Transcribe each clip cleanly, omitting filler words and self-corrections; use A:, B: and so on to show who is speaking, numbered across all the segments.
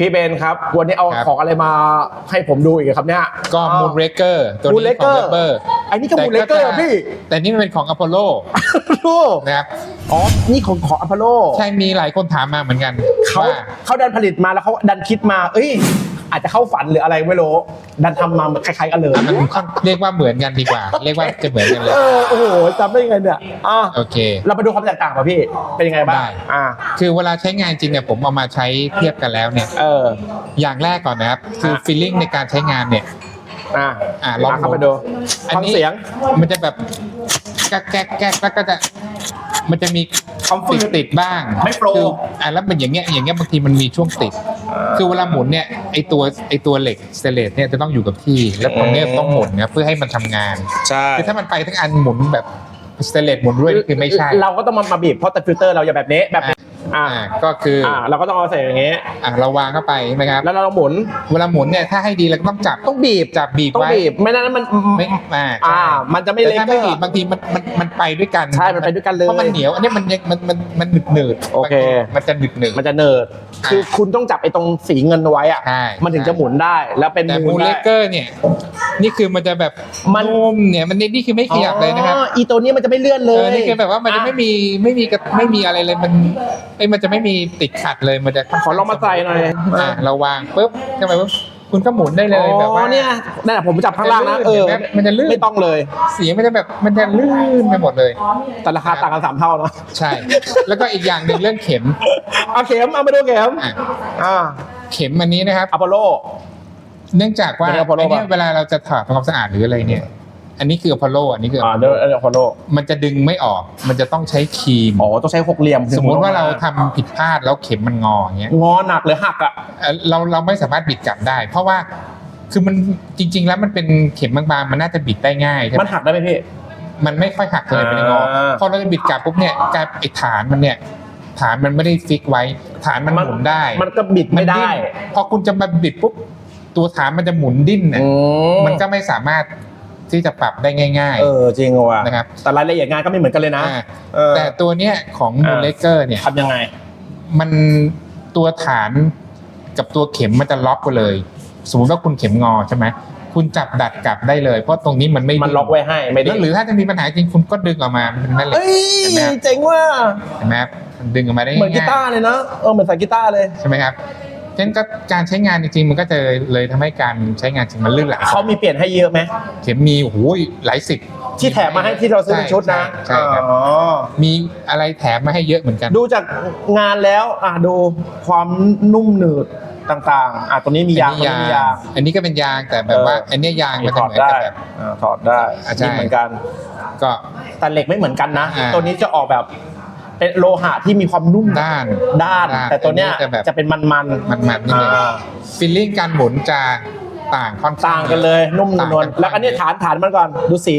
A: พี่เบนครับวันนี้เอาของอะไรมาให้ผมดูอีกครับเนี่ย
B: ก็มูนเรเกอร์ตัวนี้ของเวเบอร์
A: ไอ้นี่ก็มูนเรเกอร์พี่
B: แต่นี่มันเป็นของอพอลโลนะครับ
A: อ๋อนี่ของอพอลโล
B: ใช่มีหลายคนถามมาเหมือนกัน
A: เขาดันผลิตมาแล้วเขาดันคิดมาอาจจะเข้าฝันหรืออะไรไม่รู้ดันทำมาคล้ายๆกันเลย
B: มันเรียกว่าเหมือนกันดีกว่าเรียกว่าจะเหมือนกันเลย
A: โอ้โหจำได้ยังไงเนี่ย
B: โอเค
A: เรามาดูความแตกต่างป่ะพี่เป็นยังไงบ้าง
B: คือเวลาใช้งานจริงเนี่ยผมเอามาใช้เทียบกันแล้วเนี่ยอย่างแรกก่อนนะครับคือฟีลลิ่งในการใช้งานเนี่ย
A: ลองเข้าไปดูฟังเสียง
B: มันจะแบบแก๊กแล้วก็จะมันจะมีติดบ้าง
A: ไม่โปร
B: แล้วมันอย่างเงี้ยบางทีมันมีช่วงติดคือเวลาหมุนเนี่ยไอตัวเหล็กสเตนเลสเนี่ยจะต้องอยู่กับที่แล้วตรงเนี้ยต้องหมุนนะเพื่อให้มันทำงาน
A: ใช่
B: คือถ้ามันไปทั้งอันหมุนแบบสเตนเลสหมุนด้วยคือไม่ใช่
A: เราก็ต้องมาบีบเพราะแต่ฟิลเตอร์เราอย่าแบบนี้
B: ก็คือ
A: เราก็ต้องเอาใส่อย่างเงี้ย
B: เราวางเข้าไปใช่ไหมครับ
A: แล้วเราหมุน
B: เวลาหมุนเนี่ยถ้าให้ดีเราต้องจับ
A: ต้องบีบ
B: ไว้
A: ไม่นั้นมันมันจะไม่เล็ก
B: ถ้าไม่บีบบางทีมันไปด้วยกัน
A: ใช่มันไปด้วยกันเลย
B: เพราะมันเหนียวอันนี้มันหนืด
A: โอเค
B: มันจะหนืด
A: มันจะเนิร์ดคือคุณต้องจับไอ้ตรงสีเงินไว้มันถึงจะหมุนได้แล้วเป็น
B: แต่มูนเลเกอร์เนี่ยนี่คือมันจะแบบนุ่มเนี่ยมันนี่คือไม่ขยับเลยนะครับ
A: อีตัวนี้มันจะไม่เลื่อนเลย
B: นี่คือแบบว่ามันจะไม่มีอะไรเลยมันจะไม่มีติดขัดเลยมันจะ
A: ขอลองมาใส่หน่อย
B: เราวางปุ๊บเข้าไปปุ๊บคุณก็หมุนได้เลยแบบว่า
A: เนี่ยนั่นแหละผมจับข้างล่างนะ
B: มันจะลื่น
A: ไม่ต้องเลย
B: เสียงมันจะแบบมันจะลื่นไปหมดเลย
A: แต่ราคาต่างกัน3 เท่าเนาะ
B: ใช่แล้วก็อีกอย่างหนึ่งเรื่องเข็ม
A: เอามาดูเข็ม
B: เข็มอันนี้นะครับ
A: อพอลโล
B: เนื่องจากว่าเวลาเราจะถอดทำความสะอาดหรืออะไรเนี่ยอันนี้คืออพอลโลอันนี้คือ
A: อพอลโล
B: มันจะดึงไม่ออกมันจะต้องใช้ครีม
A: ต้องใช้หกเหลี่ยม
B: สมมติว่าเราทำผิดพลาดแล้วเข็มมันงออย่างเงี้ย
A: งอหนักหรือหัก
B: เราไม่สามารถบิดกลับได้เพราะว่าคือมันจริงๆแล้วมันเป็นเข็มบางๆมันน่าจะบิดได้ง่าย
A: มันหักได้ไหมพี่
B: มันไม่ค่อยหักเลยเป็นงอพอเราจะบิดกลับปุ๊บเนี่ยกลายไอ้ฐานมันไม่ได้ฟิกไว้ฐานมันหมุนได้
A: มันก็บิดไม่ได้
B: พอคุณจะมาบิดปุ๊บตัวฐานมันจะหมุนดิ้นเนี่ยมันก็ไม่สามารถที่จะปรับได้ง่าย
A: ๆจริงว่ะ
B: นะครับ
A: แต่รายละเอียดงานก็ไม่เหมือนกันเลยนะ
B: แต่ตัวเนี้ยของมูนเลเกอร์เนี่ย
A: ทำยังไง
B: มันตัวฐานกับตัวเข็มมันจะล็อกไปเลยสมมติว่าคุณเข็มงอใช่ไหมคุณจับดัดกลับได้เลยเพราะตรงนี้มัน
A: ล็อกไว้ให้ไม่ได้
B: หรือถ้าจะมีปัญหาจริงคุณก็ดึงออกมาเป็นแม่เหล็ก
A: เจ๋งว่ะ
B: เห็นไหมดึงออกมาได้
A: เหมือนกีตาร์เลยนะเหมือนใส่กีตาร์เลย
B: ใช่ไหมครับฉะนั้นก็การใช้งานจริงๆมันก็จะเลยทำให้การใช้งานจริงมันลื่นไหล
A: เขามีเปลี่ยนให้เยอะไหม
B: เข็มมีโอ้โหหลายสิบ
A: ที่แถมมาให้ที่เราซื้อเป็นชุดนะ
B: ใช่ครับมีอะไรแถมมาให้เยอะเหมือนกัน
A: ดูจากงานแล้วดูความนุ่มหนืดต่างๆตัวนี้มียาง
B: อันนี้ก็เป็นยางแต่แบบว่าอันนี้ยางมันจะเหมือนกับแบบ
A: ถอดได้นี่เหมือนกัน
B: ก็
A: แต่เหล็กไม่เหมือนกันนะตัวนี้จะออกแบบเป็นโลหะที่มีความนุ่ม
B: ด้าน
A: แต่ตัวเนี้ยจะเป็นมัน
B: นี่เลยฟีลลิ่งการหมุนจะต่าง
A: กันเลยนุ่มนวลแล้วอันนี้ฐานมันก่อนดูสี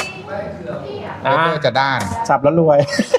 B: จะด้าน
A: สับแล้วรวย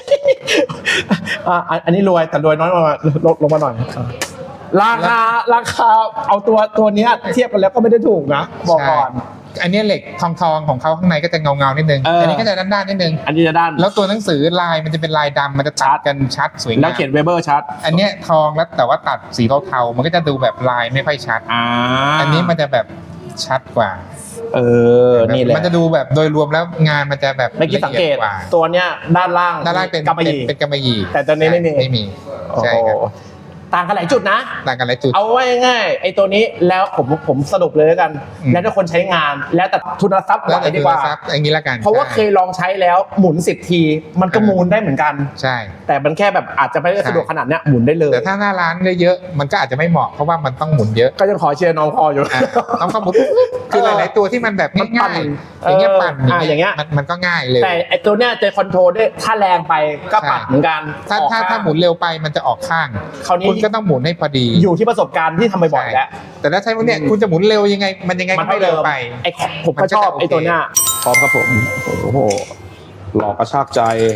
A: อันนี้รวยแต่รวยน้อยมาลงมาหน่อยราคาเอาตัวนี้เทียบกันแล้วก็ไม่ได้ถูกนะบอกก่อน
B: อันนี้เหล็กทองของเขาข้างในก็จะเงานิดนึงอันนี้ก็จะด้านนิดนึง
A: อันนี้จะด้าน
B: แล้วตัวหนังสือลายมันจะเป็นลายดำมันจะตัดกันชัดสวยงาม
A: แล้วเขียนเวเบอร์ชัด
B: อันนี้ทองแล้วแต่ว่าตัดสีเทาๆมันก็จะดูแบบลายไม่ค่อยชัดอันนี้มันจะแบบชัดกว่า
A: นี่แหละ
B: มันจะดูแบบโดยรวมแล้วงานมันจะแบบ
A: เมื่อกี้สังเกตตัวเนี้ยด้านล่าง
B: เป็นกำมะหยี่
A: แต่ตัวนี้ไม่มี
B: ใช่ครับ
A: ต่างกันหลายจุดนะ
B: ต่างกันหลายจุด
A: เอาไว้ง่ายไอ้ตัวนี้แล้วผมสรุปเลยแล้วกันแล้วถ้าคนใช้งานแล้วแต่ทุนทรัพย์ไหวดีกว่า
B: อย่างนี้ละกัน
A: เพราะว่าเคยลองใช้แล้วหมุน10 ทีมันก็หมุนได้เหมือนกัน
B: ใช่
A: แต่มันแค่แบบอาจจะไม่ได้สะดวกขนาดเนี้ยหมุนได้เลย
B: แต่ถ้าหน้าร้านเยอะมันก็อาจจะไม่เหมาะเพราะว่ามันต้องหมุนเยอะ
A: ก็ยังขอเชียร์น้องพออยู่
B: น้องก็หมุนคือหลายๆตัวที่มันแบบง่ายๆอย่างเงี้ยปั่น
A: อย่างเงี้ย
B: มันก็ง่ายเลย
A: แต่ไอ้ตัวเนี้ยจะคอนโทรลได้ถ้าแรงไปก็ปัดเหมือนกัน
B: ถ้าหมุนเร็วไปมันจะออกข้างคุณก็ต้องหมุนให้พอดี
A: อยู่ที่ประสบการณ์ที่ทำบ่อยๆแล้ว
B: แต่ถ้าใช้พวกเนี้ยคุณจะหมุนเร็วยังไงมันไม่เร็วไป
A: ผมก็ชอบไอ้ตัวเนี้ยพร้อมครับผมโอ้โหหลอกกระชากใจ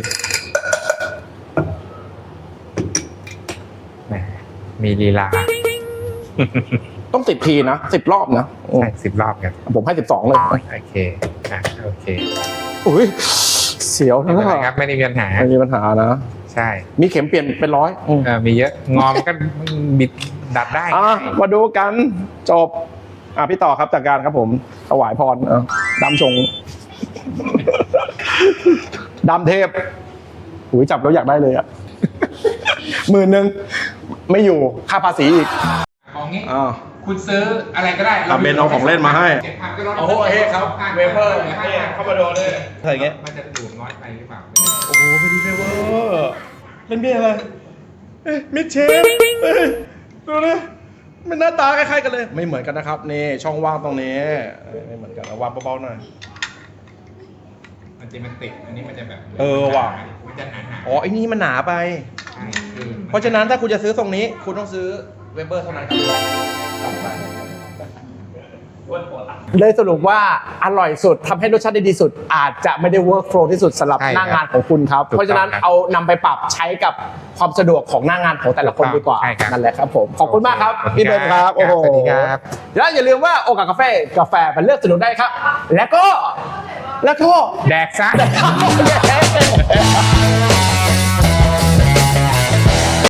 B: มีลีลา
A: ต้อง10 ทีนะ10 รอบนะ
B: ใช่10 รอบกัน
A: ผมให้12เลย
B: โอเคโอเค
A: อุ้ยเสียว
B: นะครับไม่มีปัญหานะ
A: ใช่มีเข็มเปลี่ยนเป็น100
B: มีเยอะงอมก็บิดดัดได้
A: มาดูกันจบพี่ต่อครับจากการครับผมถวายพรดำชง ดำเทพหูยจับแล้วอยากได้เลย10,000ไม่อยู่ค่าภาษีอีก
B: ของงี้คุณซื้ออะไรก็ได้
A: เบนเอาของเล่นมาให้
B: 7,000ก็ลด
A: โอ้โหครับเวเฟอร์เข้ามาโดนเลยอะไรเงี้ย
B: มันจะดูดน้อยไปหรือเปล่า
A: โอ้โหเป็นดีเวเวอร์เป็นเบียร์อะไรมิดเชฟดูนะมันหน้าตาคล้ายๆกันเลย ไม่เหมือนกันนะครับนี่ช่องว่างตรงนี้ไม่เหมือนกันวางเบาๆหน่อย
B: มันจะมันติดอันนี้มันจะแบบ
A: ว่ะ
B: มันจะหนา
A: อ๋อไอ้นี่มันหนาไป
B: ใช่คือ
A: เพราะฉะนั้นถ้าคุณจะซื้อทรงนี้คุณต้องซื้อเวเบอร์เท่านั้นเลยสรุปว่าอร่อยสุดทำให้รสชาติได้ดีสุด อาจจะไม่ได้เวิร์กโฟลว์ที่สุดสำหรับหน้างานของคุณครับ เพราะฉะนั้นเอานำไปปรับใช้กับความสะดวกของหน้างานของแต่ละคนดีกว่านั่นแหละครับผมขอบคุณมากครับพี่เบนครับโอ้โห
B: สวัสดีครับ
A: แล้วอย่าลืมว่าโอกาสกาแฟมันเลือกสนุกได้ครับ แล้วก็
B: แดกซะ